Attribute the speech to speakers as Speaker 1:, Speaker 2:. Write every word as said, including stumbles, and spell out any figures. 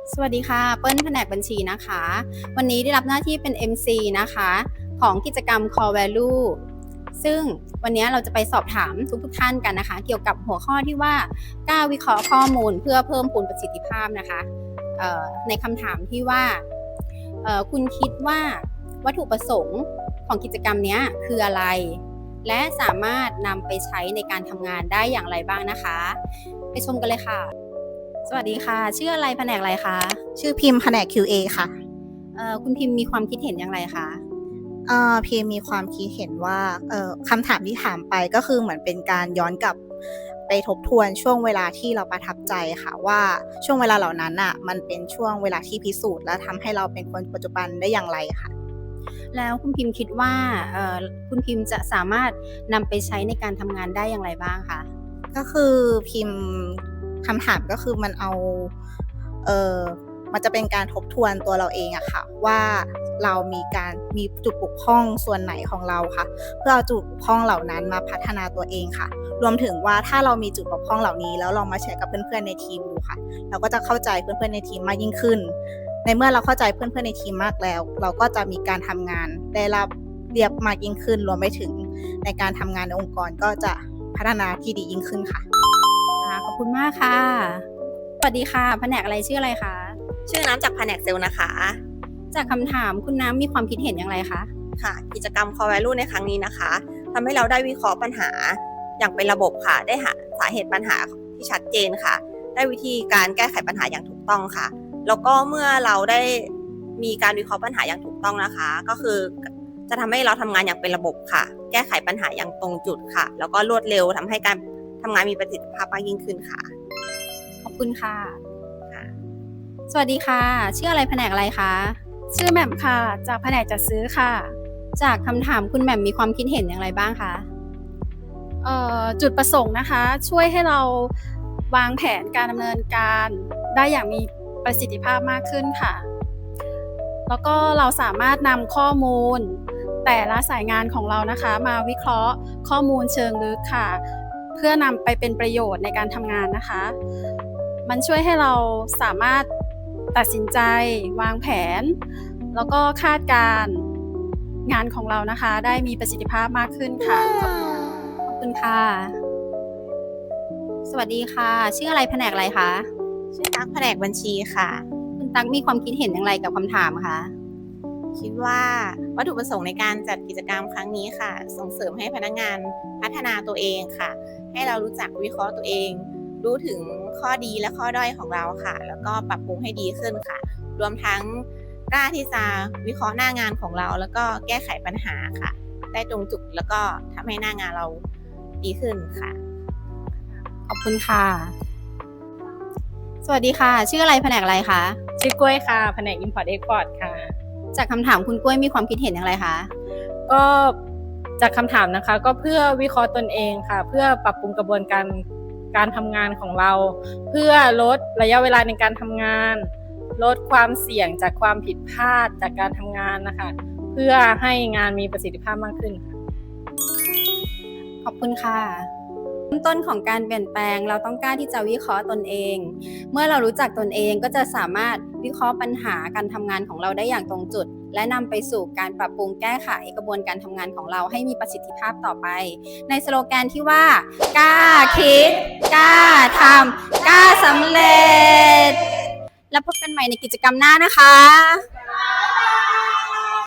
Speaker 1: สวัสดีค่ะเปิ้ลแผนกบัญชีนะคะวันนี้ได้รับหน้าที่เป็น เอ็ม ซี นะคะของกิจกรรม Core Value ซึ่งวันนี้เราจะไปสอบถามทุกๆท่านกันนะคะเกี่ยวกับหัวข้อที่ว่ากล้าวิเคราะห์ข้อมูลเพื่อเพิ่มพูนประสิทธิภาพนะคะในคำถามที่ว่าคุณคิดว่าวัตถุประสงค์ของกิจกรรมนี้คืออะไรและสามารถนำไปใช้ในการทำงานได้อย่างไรบ้างนะคะไปชมกันเลยค่ะสวัสดีค่ะชื่ออะไรแผนกอะไรคะ
Speaker 2: ชื่อพิมพ์แผนก คิว เอ ค่ะ
Speaker 1: เอ่อคุณพิมพ์มีความคิดเห็นอย่างไรคะ
Speaker 2: เอ่อพิมพ์มีความคิดเห็นว่าเอ่อคำถามที่ถามไปก็คือเหมือนเป็นการย้อนกลับไปทบทวนช่วงเวลาที่เราประทับใจค่ะว่าช่วงเวลาเหล่านั้นน่ะมันเป็นช่วงเวลาที่พิสูจน์และทำให้เราเป็นคนปัจจุบันได้อย่างไรค่ะ
Speaker 1: แล้วคุณพิมพ์คิดว่าเอ่อคุณพิมพ์จะสามารถนำไปใช้ในการทำงานได้อย่างไรบ้างคะ
Speaker 2: ก็คือพิมพ์คำถามก็คือมันเอาเอ่อมันจะเป็นการทบทวนตัวเราเองอะค่ะว่าเรามีการมีจุดบกพร่องส่วนไหนของเราค่ะเพื่อเอาจุดบกพร่องเหล่านั้นมาพัฒนาตัวเองค่ะรวมถึงว่าถ้าเรามีจุดบกพร่องเหล่านี้แล้วลองมาแชร์กับเพื่อนๆในทีมดูค่ะเราก็จะเข้าใจเพื่อนๆในทีมมากยิ่งขึ้นในเมื่อเราเข้าใจเพื่อนๆในทีมมากแล้วเราก็จะมีการทำงานได้รับเรียบมากยิ่งขึ้นรวมไปถึงในการทำงานในองค์กรก็จะพัฒนาที่ดียิ่งขึ้นค่ะ
Speaker 1: ขอบคุณมากค่ะสวัสดีค่ะแผนกอะไรชื่ออะไรคะ
Speaker 3: ชื่อน้ำจากแผนกเซลล์นะคะ
Speaker 1: จากคำถามคุณน้ำมีความคิดเห็นอย่างไรคะ
Speaker 3: ค่ะกิจกรรม Core Value ในครั้งนี้นะคะทำให้เราได้วิเคราะห์ปัญหาอย่างเป็นระบบค่ะได้หาสาเหตุปัญหาที่ชัดเจนค่ะได้วิธีการแก้ไขปัญหาอย่างถูกต้องค่ะแล้วก็เมื่อเราได้มีการวิเคราะห์ปัญหาอย่างถูกต้องนะคะก็คือจะทำให้เราทำงานอย่างเป็นระบบค่ะแก้ไขปัญหาอย่างตรงจุดค่ะแล้วก็รวดเร็วทำให้การทำงานมีประสิทธิภาพมากยิ่งขึ้นค่ะ
Speaker 1: ขอบคุณค่ะสวัสดีค่ะชื่ออะไรแผนกอะไรคะ
Speaker 4: ชื่อแหม่มค่ะจากแผนกจัดซื้อค่ะ
Speaker 1: จากคำถามคุณแหม่มมีความคิดเห็นอย่างไรบ้างคะ
Speaker 4: เอ่อจุดประสงค์นะคะช่วยให้เราวางแผนการดำเนินการได้อย่างมีประสิทธิภาพมากขึ้นค่ะแล้วก็เราสามารถนำข้อมูลแต่ละสายงานของเรานะคะมาวิเคราะห์ข้อมูลเชิงลึกค่ะเพื่อนำไปเป็นประโยชน์ในการทำงานนะคะมันช่วยให้เราสามารถตัดสินใจวางแผนแล้วก็คาดการงานของเรานะคะได้มีประสิทธิภาพมากขึ้นค่ะ
Speaker 1: ขอบคุณค่ะสวัสดีค่ะชื่ออะไรแผนกอะไรคะ
Speaker 3: ชื่อตั๊กแผนกบัญชีค่ะ
Speaker 1: คุณตั๊กมีความคิดเห็นอย่างไรกับคำถามคะ
Speaker 3: คิดว่าวัตถุประสงค์ในการจัดกิจกรรมครั้งนี้ค่ะส่งเสริมให้พนักงานพัฒนาตัวเองค่ะให้เรารู้จักวิเคราะห์ตัวเองรู้ถึงข้อดีและข้อด้อยของเราค่ะแล้วก็ปรับปรุงให้ดีขึ้นค่ะรวมทั้งกล้าที่จะวิเคราะห์หน้างานของเราแล้วก็แก้ไขปัญหาค่ะได้ตรงจุดแล้วก็ทำให้หน้างานเราดีขึ้นค่ะ
Speaker 1: ขอบคุณค่ะสวัสดีค่ะชื่ออะไรแผนกอะไรคะ
Speaker 5: ชื่อกล้วยค่ะแผนก Import Export ค่ะ
Speaker 1: จากคำถามคุณกล้วยมีความคิดเห็นอย่างไรคะ
Speaker 5: ก็จากคำถามนะคะก็เพื่อวิเคราะห์ตนเองค่ะเพื่อปรับปรุงกระบวนการการทำงานของเราเพื่อลดระยะเวลาในการทำงานลดความเสี่ยงจากความผิดพลาดจากการทำงานนะคะเพื่อให้งานมีประสิทธิภาพมากขึ้นค่ะ
Speaker 1: ขอบคุณค่ะเริ่มต้นของการเปลี่ยนแปลงเราต้องกล้าที่จะวิเคราะห์ตนเองเมื่อเรารู้จักตนเองก็จะสามารถวิเคราะห์ปัญหาการทำงานของเราได้อย่างตรงจุดและนำไปสู่การปรับปรุงแก้ไขกระบวนการทำงานของเราให้มีประสิทธิภาพต่อไปในสโลแกนที่ว่ากล้าคิดกล้าทำกล้าสำเร็จแล้วพบกันใหม่ในกิจกรรมหน้านะคะ